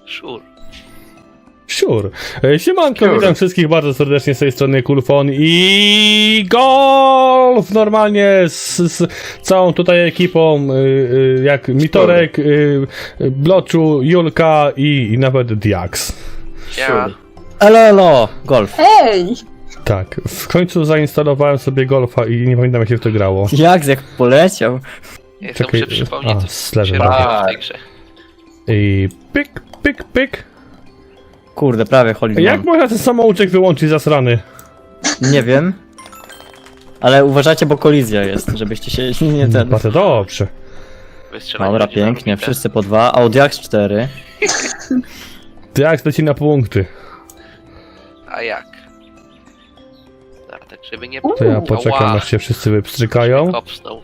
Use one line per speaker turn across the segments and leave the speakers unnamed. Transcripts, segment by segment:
Sure.
Sure. Siemanko, witam wszystkich bardzo serdecznie z tej strony Kulfon i Golf! Normalnie z całą tutaj ekipą, jak Mitorek, Bloczu, Julka i nawet Diax.
Ja.
Elo, Golf.
Hej!
Tak, w końcu zainstalowałem sobie Golfa i nie pamiętam jak się w to grało.
Jak poleciał.
Jestem
Czekaj,
muszę przypomnieć,
a,
co
slash
się
dobra.
robiło w tej grze.
I pyk.
Kurde, prawie Holy
Jak można ten samouczek wyłączyć zasrany?
Nie wiem. Ale uważajcie, bo kolizja jest, żebyście się nie ten...
Bardzo dobrze.
Wystrzelanie
Dobra,
będzie
pięknie,
narobite.
wszyscy po 2, Audiax 4.
Diax leci na punkty.
A jak? Dobra, tak żeby nie...
To ja poczekam
Ała,
aż się wszyscy wypstrzykają.
kopsnął.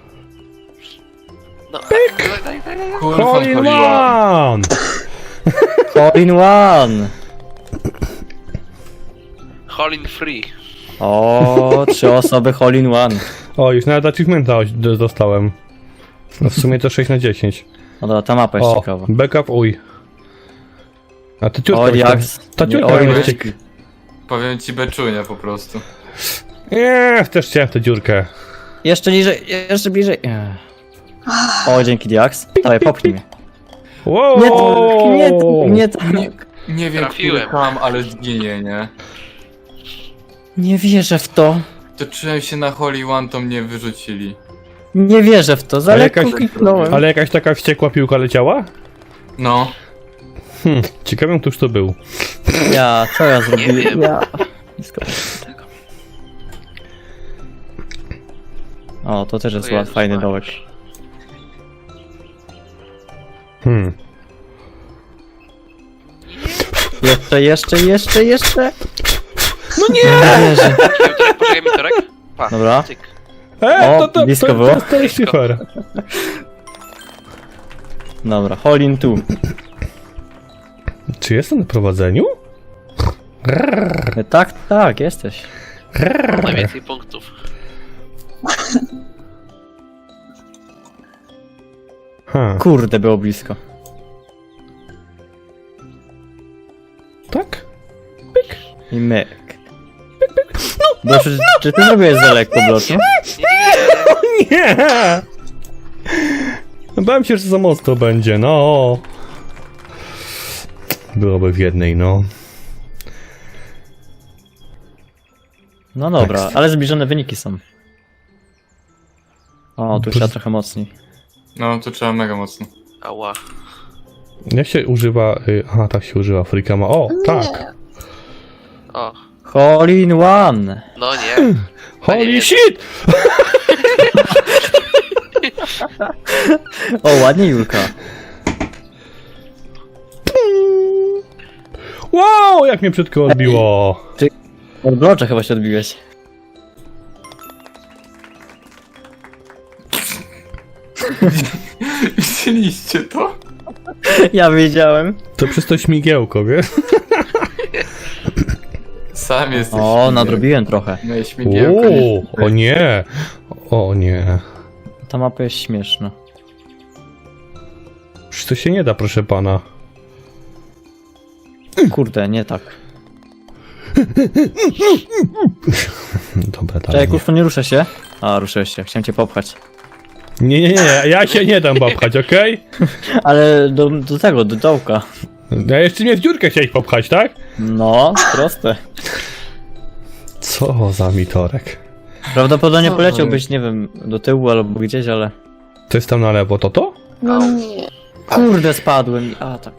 No, pyk! Daj.
Hole in one!
Hole in one!
Hole in free.
O, 3 osoby Hole in one.
O, już nawet achievementa dostałem. No w sumie to 6 na 10.
No dobra, ta mapa jest
O,
ciekawa.
backup, uj. A ty ciurka
Audiax...
ta
nie,
ciurka
Audiax-
będzie...
Powiem ci beczunia po prostu.
Nie, też chciałem w tę dziurkę.
Jeszcze niżej, jeszcze bliżej. O, dzięki Diax. Dawaj, popchnij mnie.
Wow!
Nie tak.
Nie wiem,
Trafiłem.
który tam, ale zginie, nie?
Nie wierzę w to.
Toczyłem się na Holy One, to mnie wyrzucili.
Nie wierzę w to, za
Ale
lekko
jakaś-
kliknąłem.
Ale jakaś taka wściekła piłka leciała?
No.
Ciekawym, któż to był.
Ja, co ja zrobiłem?
wiem.
Ja. Blisko tego. O, to też jest
O Jezus
fajny
Maria.
dołek. Jeszcze.
No nie!
Wierzę.
Poczekaj mi torek. Pa,
Dobra.
cyk.
O, blisko było.
To jest super.
Dobra, Hole in 2.
Czy jestem na prowadzeniu?
Tak, jesteś.
Mam najwięcej punktów.
Kurde, było blisko.
Tak?
I myk. No, czy ty zrobiłeś za lekko, Bloczu?
Nie! Bałem się, że za mocno będzie, no. Byłoby w jednej, no.
No dobra,
Tak.
ale zbliżone wyniki są. O, tu trzeba trochę mocniej.
No, to trzeba mega mocno.
Ała.
Jak się używa... Aha, tak się używa Freakama. O, tak.
O,
Hole in one!
no nie.
Holy shit!
O, ładnie, Julka.
Wow, jak mnie brzydko odbiło.
Od Blocza chyba się odbiłeś.
Widzieliście to?
Ja wiedziałem.
To przez to śmigiełko, wiesz?
Sam jesteś.
O, nadrobiłem trochę.
No, śmigiełko.
O nie. O nie.
Ta mapa jest śmieszna.
Przecież to się nie da, proszę pana.
Kurde, nie tak.
Dobra,
Czekaj,
dalej.
kurwa, nie ruszę się. A, ruszyłeś się, chciałem cię popchać.
Nie, ja się nie dam popchać, okej?
Ale do tego, do dołka.
Ja jeszcze mnie w dziurkę chciałeś popchać, tak?
No, proste.
Co za mitorek.
Prawdopodobnie
Co
poleciałbyś, nie wiem, do tyłu albo gdzieś, ale...
To jest tam na lewo, to?
No nie.
Kurde, spadłem. A, tak.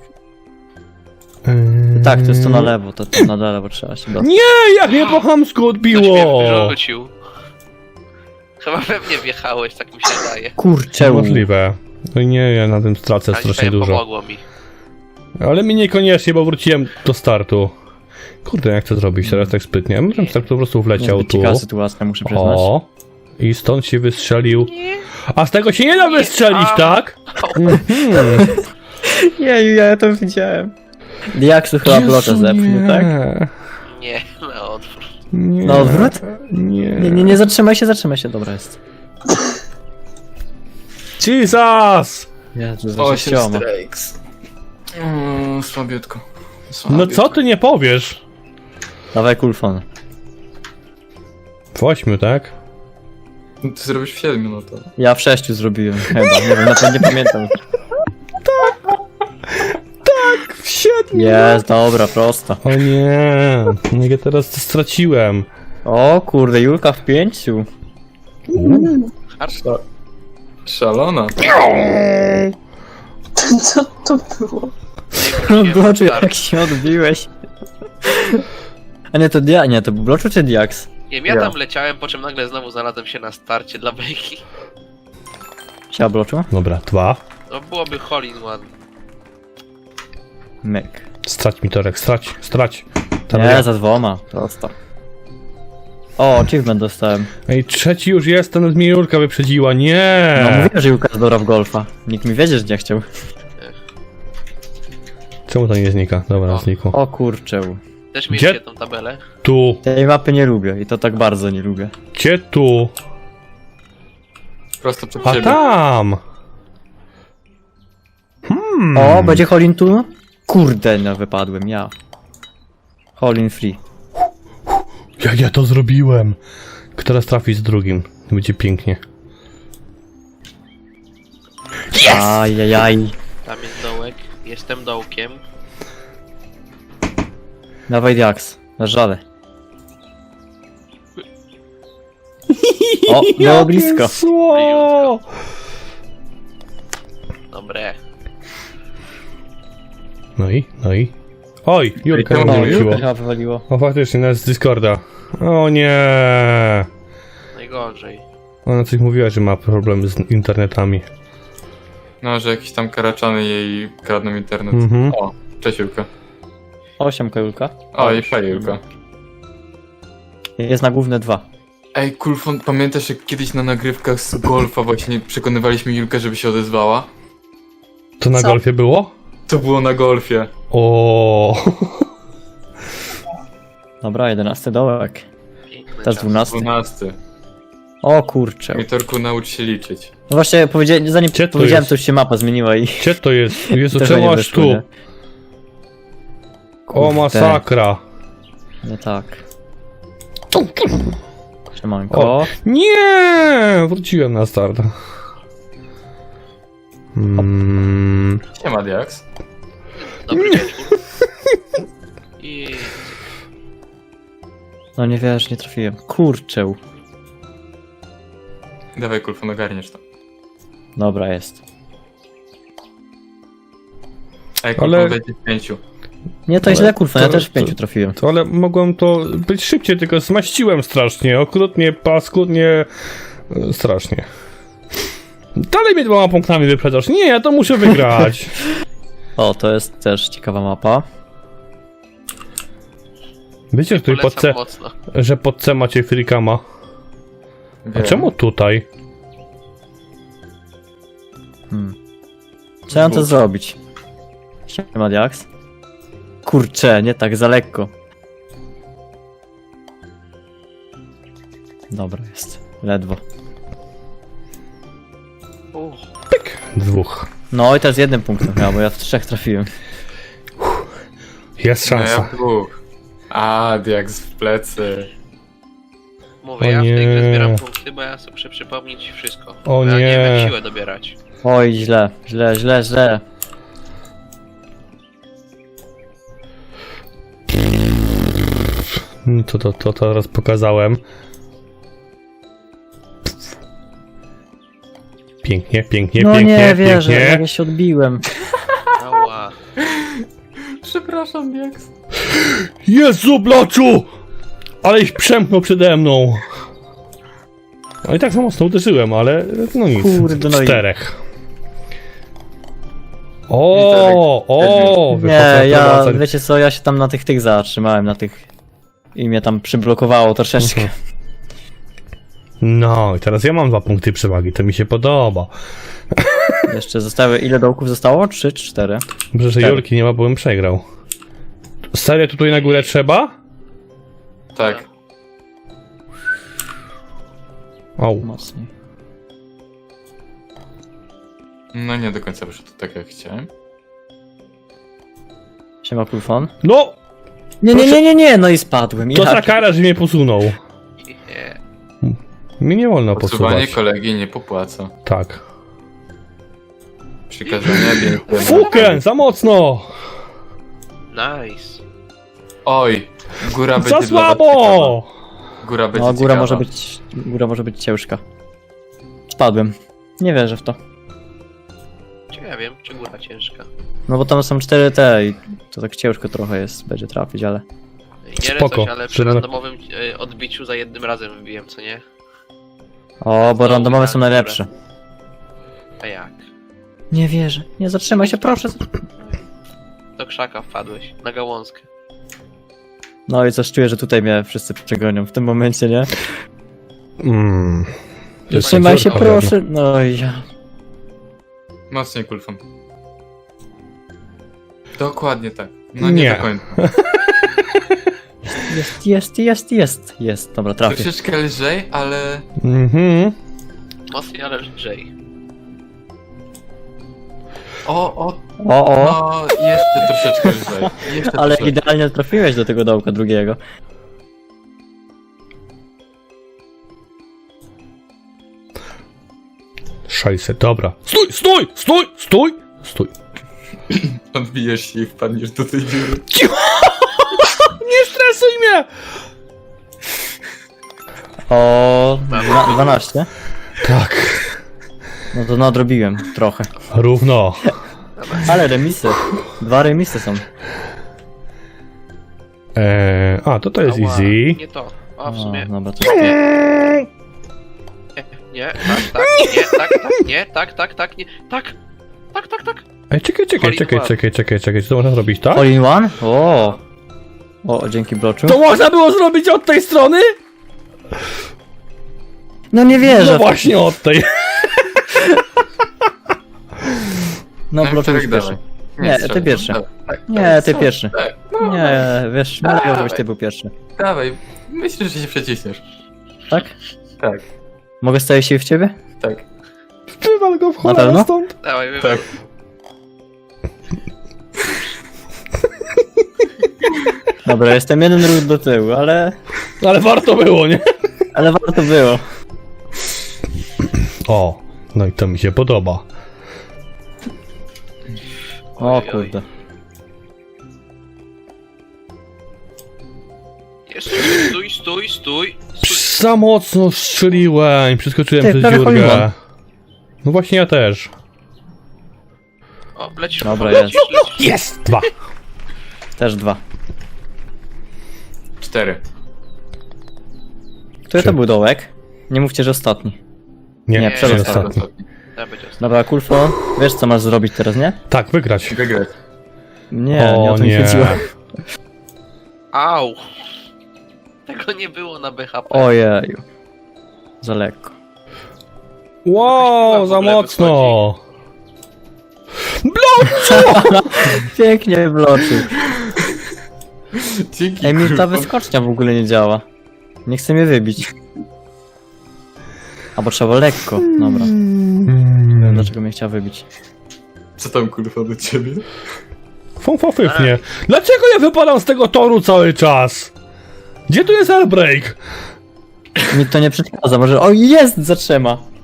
Tak, to jest to na lewo, to na lewo trzeba się dostać.
Nie, jak mnie po chamsku
Ktoś
odbiło!
mnie wyrzucił. Chyba we mnie wjechałeś, tak mi się daje.
Kurczę,
Możliwe. No nie, ja na tym stracę
Ale
strasznie
fajnie
dużo.
pomogło mi.
Ale mi niekoniecznie, bo wróciłem do startu. Kurde, jak to zrobić teraz tak sprytnie? Ja bym tak po prostu wleciał
niezbyt
tu.
ciekawa sytuacja, muszę przyznać.
O. I stąd się wystrzelił. A z tego się nie da wystrzelić,
A.
tak?
Jeju, ja to widziałem. Diaksu chyba blocza zepchnie, tak?
Nie, na odwrót.
Nie.
Na odwrót?
Nie.
Nie, zatrzymaj się, dobra jest.
Jesus!
Jezu,
O,
za
8 strikes. No słabiutko.
No co ty nie powiesz?
Dawaj kulfon.
W 8, tak?
No ty zrobisz w 7, no to.
Ja w 6 zrobiłem chyba, nie wiem, na pewno nie pamiętam.
W 7!
Jest, dobra, prosta.
O nie, jak ja teraz to straciłem.
O kurde, Julka w 5.
Szalona.
Co to było?
Bloczu, jak się odbiłeś. A nie, to nie, to był Bloczu czy Diax?
Nie wiem, ja
Ja.
tam leciałem, po czym nagle znowu znalazłem się na starcie dla bejki.
Siema Bloczu?
Dobra, 2.
No byłoby hole in one.
Myk.
Strać mi torek, strać. Tam
Nie,
ja.
za 2, prosto. O, achievement dostałem.
Ej, trzeci już jest, ten mnie Julka wyprzedziła, nie!
No mówiłem, że Julka jest dobra w golfa. Nikt mi wiedzieć nie chciał.
Czemu to nie znika? Dobra,
O.
znikło.
O kurczę.
Też
Gdzie?
mieliście tą tabelę.
Tu,
Tej mapy nie lubię i to tak bardzo nie lubię.
gdzie tu?
Prosto przed
A
siebie.
tam!
O, będzie Holin tu? Kurde, no wypadłem, ja. Holin free.
Jak ja to zrobiłem? Kto raz trafi z drugim? Będzie pięknie.
Ajajaj.
Tam jest dołek. Jestem dołkiem.
Dawaj Diax, na żale. O, było blisko.
Sło!
Dobre.
No i? Oj, Julka
I to
mnie
O,
wróciło.
Julka chyba wywaliło.
O, faktycznie, nas z Discorda. O nie!
Najgorzej.
Ona coś mówiła, że ma problemy z internetami.
No, że jakieś tam karaczany jej kradną internet.
Mhm.
O, cześć Julka.
8 Julka.
O, i fajnie Julka.
Jest na główne 2.
Ej, Kulfon, pamiętasz jak kiedyś na nagrywkach z golfa właśnie przekonywaliśmy Julkę, żeby się odezwała?
To na
Co?
golfie było?
To było na golfie.
O.
Dobra, 11 dołek.
Piękny
Też
czas.
12.
12.
O kurczę.
Mitorku, naucz się liczyć.
No właśnie, zanim
Gdzie to
powiedziałem,
jest?
to już się mapa zmieniła i...
Gdzie to jest? Jezu,
też
czemu
nie
aż
wyszło,
tu?
nie?
O,
Kurde.
masakra.
No tak. Siemanko.
O. Nie! Wróciłem na start.
Siema, Diax.
Dobry wieczór. I...
No nie wiesz, nie trafiłem. Kurczę.
Dawaj, Kulfon, ogarniesz to.
Dobra, jest.
Ej,
Ale-
Kulfon będzie w 5.
Nie, to
Ale
źle, kurwa, ja
to-
też w
to-
5 trafiłem.
To, ale mogłem to być szybciej, tylko zmaściłem strasznie. Okrutnie, paskudnie. Strasznie. Dalej mnie 2 punktami wyprzedzasz. Nie, ja to muszę wygrać.
O, to jest też ciekawa mapa.
Wiecie, że tutaj pod C,
Polecam mocno.
że pod C macie frikama. A
Wiem.
czemu tutaj?
Trzeba to zrobić. Siema, Diax. Kurczę, nie tak, za lekko. Dobra, jest. Ledwo.
Dwóch.
No i teraz 1 punktem chyba, bo ja w 3 trafiłem.
Jest
No ja
szansa.
w 2. A, Diax w plecy.
Mówię,
O
ja w tej grze
nie.
zbieram punkty, bo ja chcę przypomnieć wszystko.
O
Bo ja nie wiem
nie.
jak siłę dobierać.
Oj, źle.
To teraz pokazałem. Pięknie, pięknie,
No
pięknie,
nie wierzę,
pięknie.
jak ja się odbiłem.
Ała.
Przepraszam, Diax.
Jezu, bloczu! Ale ich przemknął przede mną. No i tak za mocno uderzyłem, ale no nic.
Kurde, no i-
4. O,
Nie, ja, wiecie co, ja się tam na tych zatrzymałem, na tych... I mnie tam przyblokowało troszeczkę.
No i teraz ja mam 2 punkty przewagi, to mi się podoba.
Jeszcze zostały, ile dołków zostało? 3 czy 4?
Dobrze, że
4.
Julki nie ma, bo bym przegrał. Serio tutaj na górę trzeba?
Tak.
Au.
Mocniej.
No nie do końca wyszło to tak jak chciałem.
Siema, Kulfon.
No!
Nie, no i spadłem.
To
Ja-
za kara, że mnie posunął.
Nie.
Mi nie wolno
Odsuwanie
posuwać.
kolegi nie popłaca.
Tak.
Przykazania piękne.
Fuken, za mocno!
Nice.
Oj, góra będzie
Za
dla was
słabo!
ciekawa. Góra będzie
No, góra
ciekawa.
może być ciężka. Spadłem. Nie wierzę w to.
Nie wiem, czy góra ciężka.
No bo tam są 4 te i to tak ciężko trochę jest, będzie trafić, ale...
Nie
Spoko.
coś, ale przy
Żeby-
randomowym odbiciu za jednym razem wybiłem, co nie?
O, bo
No,
randomowe
tak,
są najlepsze.
A jak?
Nie wierzę. Nie zatrzymaj się, proszę.
Do krzaka wpadłeś, na gałązkę.
No i coś czuję, że tutaj mnie wszyscy przegonią w tym momencie, nie? Zatrzymaj się,
Córka,
proszę. No i ja...
Mocniej kulfą. Dokładnie tak. No
Nie.
nie do końca.
Jest. Dobra, trafię.
Troszeczkę lżej, ale...
Mhm.
Mocniej, ale lżej.
O,
No, jeszcze troszeczkę lżej. Jeszcze
ale
troszeczkę.
idealnie trafiłeś do tego dołka drugiego.
Szajse, dobra. Stój!
Odbijesz się i wpadniesz do tej dziury.
Nie stresuj mnie!
O, 12.
Tak.
No to nadrobiłem trochę.
Równo.
Ale remisy. 2 remisy są.
To jest
Ała,
easy.
Nie to. A w
O,
sumie.
dobra, to nie.
Nie, tak, nie. Tak.
Ej, czekaj. Co to można zrobić, tak?
All in one? O, dzięki bloczu.
To można było zrobić od tej strony?
No nie wierzę.
No właśnie od tej.
No bloczu
Czterech
już pierwszy.
dawaj.
Nie,
strzelaj.
ty pierwszy.
Tak,
Nie, ty pierwszy.
Tak, no,
Nie, wiesz, nie
Dawaj.
żebyś ty był pierwszy.
Dawaj, myślę, że się przeciśniesz.
Tak?
Tak,
Mogę stawić się w ciebie?
tak.
Wywal go w
Na
cholerę
pewno?
stąd.
Dawaj,
Tak.
Dobra, jestem jeden ruch do tyłu, ale
Ale warto było, nie?
warto było.
O, no i to mi się podoba.
O
Oj, oj.
kurde.
Jeszcze stój.
Za mocno strzeliłem, przeskoczyłem
Ty,
przez
prawie
dziurkę.
poligon.
No właśnie ja też.
O, lecisz.
Dobra,
lecisz.
Jest! 2.
Też 2.
4.
Który to był dołek? Nie mówcie, że ostatni.
Nie,
Nie,
przedostatni.
przedostatni.
Ja będzie ostatni.
Dobra, Kulfo, wiesz co masz zrobić teraz, nie?
Tak, wygrać.
Wygrać.
Nie o to mi
nie.
chodziło.
Au! Tego nie było na BHP.
Ojeju. Za lekko.
Wow,
w
za
ogóle
mocno.
Pięknie bloczył.
Dzięki,
Ej, mi ta
kurwa.
wyskocznia w ogóle nie działa. Nie chce mnie wybić. Albo trzeba lekko. Dobra. Nie wiem dlaczego mnie chciała wybić.
Co tam kurwa do ciebie?
Fąfofyfnie. Dlaczego ja wypadam z tego toru cały czas? Gdzie tu jest airbreak?
Mi to nie przeszkadza, może... O, jest za 3.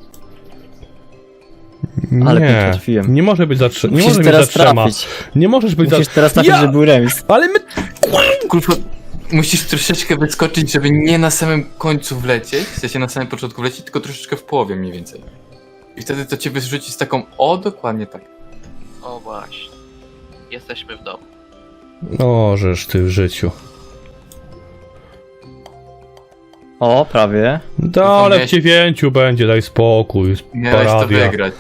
Ale pięknie
Nie,
trafiłem.
nie może być za 3. Nie
Musisz
może być za
teraz
3.
trafić.
Nie możesz być
Musisz
za...
teraz trafić, żeby był remis.
Ale my...
Kurwa, musisz troszeczkę wyskoczyć, żeby nie na samym końcu wlecieć, w sensie na samym początku wlecieć, tylko troszeczkę w połowie mniej więcej. I wtedy to cię wyrzuci z taką, dokładnie tak.
O właśnie. Jesteśmy w domu.
O, żeż ty w życiu.
O, prawie.
Ale w 9 będzie, daj spokój.
Miałeś to
Paradia.
wygrać.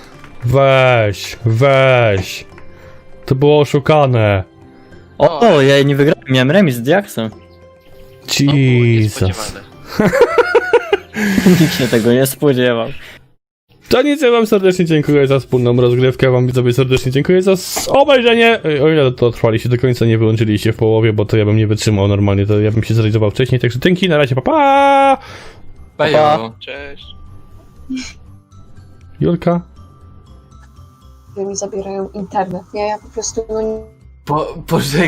Weź. To było oszukane.
O, ja nie wygrałem, miałem remis z Diaksem.
To było
Jesus.
niespodziewane.
Nikt się tego nie spodziewał.
To nic, ja wam serdecznie dziękuję za wspólną rozgrywkę, wam widzowie serdecznie dziękuję za obejrzenie. O ile to trwaliście do końca, nie wyłączyliście w połowie, bo to ja bym nie wytrzymał normalnie, to ja bym się zrealizował wcześniej, także dzięki, na razie, pa pa!
Bajo.
Cześć.
Julka?
Mi zabierają internet, nie? Ja po prostu no,
Pożegnaj